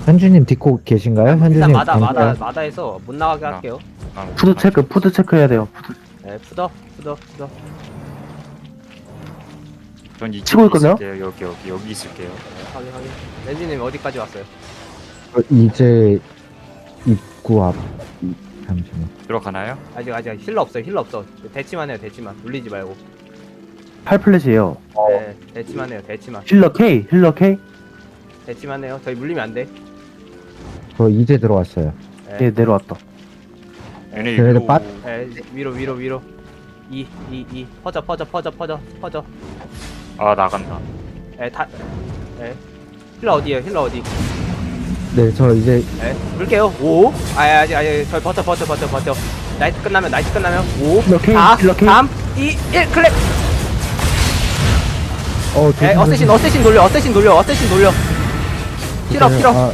현주님 딛고 계신가요? 일단 현주님 마다 마다에서 못 나가게 할게요. 푸드 체크해야 돼요. 네, 푸더. 전 이쪽에 치고 있거든요? 있을게요. 여기 있을게요. 네, 확인. 렌지님 어디까지 왔어요? 이제 입구 앞 잠시만. 들어가나요? 아직 힐러 없어. 대치만 해요. 울리지 말고. 8플랫이에요. 네, 대치만 해요. 힐러 K. 대치만 해요. 저희 물리면 안 돼. 저 이제 들어왔어요. 네, 예, 내려왔다. 얘네 걔네들 위로. 빠- 네, 위로. 이 퍼져. 아 나간다. 네, 힐러 어디에요? 네, 저 이제 네, 물게요. 5. 아직 저희 버텨. 나이트 끝나면 5, 힐러 K, 4, 힐러 K. 3, 2, 1 클랩. 네, 어쌔신 돌려. 힐업.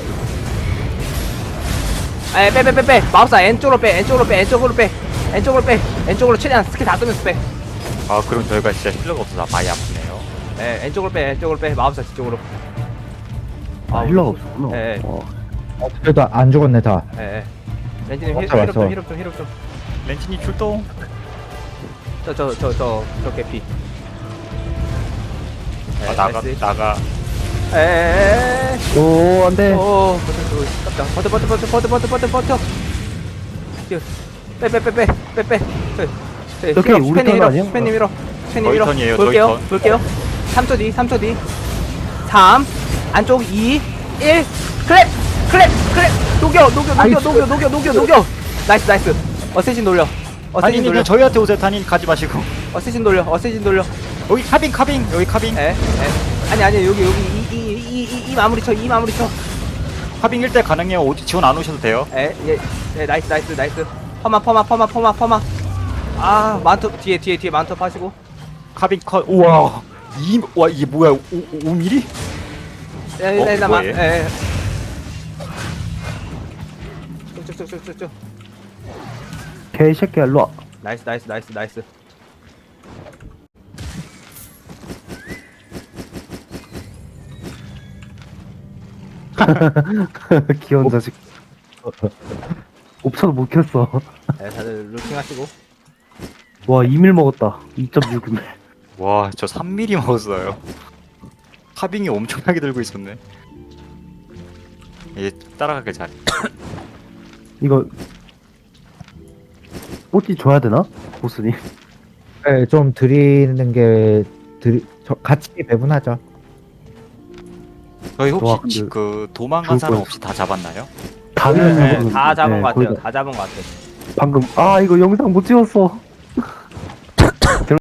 빼. 마법사 N쪽으로 빼. N쪽으로 최대한 스킬 다 끄면서 빼. 아 그럼 저희가 진짜 힐러가 없어서 많이 아프네요. 네, N쪽으로 빼. 마법사 뒤쪽으로. 아, 힐러가 없었구나. 네. 그래도 안 죽었네 다. 렌지님 왔어. 힐업 좀. 렌치님 출동. 저 개피. 아 나가. 에에에에. 오, 안 돼. 오, 버텨. 빼. 이렇게 우리 턴 아니야? 스페님 밀어. 저희 턴이에요, 저희 턴. 볼게요. 3초 뒤. 3, 안쪽 2, 1, 클랩. 녹여. 나이스. 어쌔신 돌려. 단인님 저희한테 오세요. 단인 가지 마시고. 어쌔신 돌려. 여기 카빙. 여기 카빙. 아니, 여기, 이 마무리 쳐. 카빙 1대 가능해요. 어디 지원 안 오셔도 돼요. 나이스. 퍼마. 아, 만토, 뒤에 만토 파시고. 카빙 컷. 우와. 와 이게 뭐야? 5mm? 뭐예요? 쭉쭉쭉쭉쭉. K 새끼야, 일로 와. 나이스. 귀여운 자식. 옵션 못 켰어. 네, 다들 루팅 하시고. 와, 2밀 먹었다. 2.6mm. 와, 저 3mm 먹었어요. 카빙이 엄청나게 들고 있었네. 얘 따라가길 잘해. 이거 뽀찌 줘야 되나? 보스님. 네, 좀 드리는 게 같이 배분하죠. 저희 혹시 와, 근데 그 도망간 죽을 사람 뻔했어. 없이 다 잡았나요? 다 잡은 것 거의 같아요. 다. 다 잡은 것 같아. 방금 이거 영상 못 찍었어.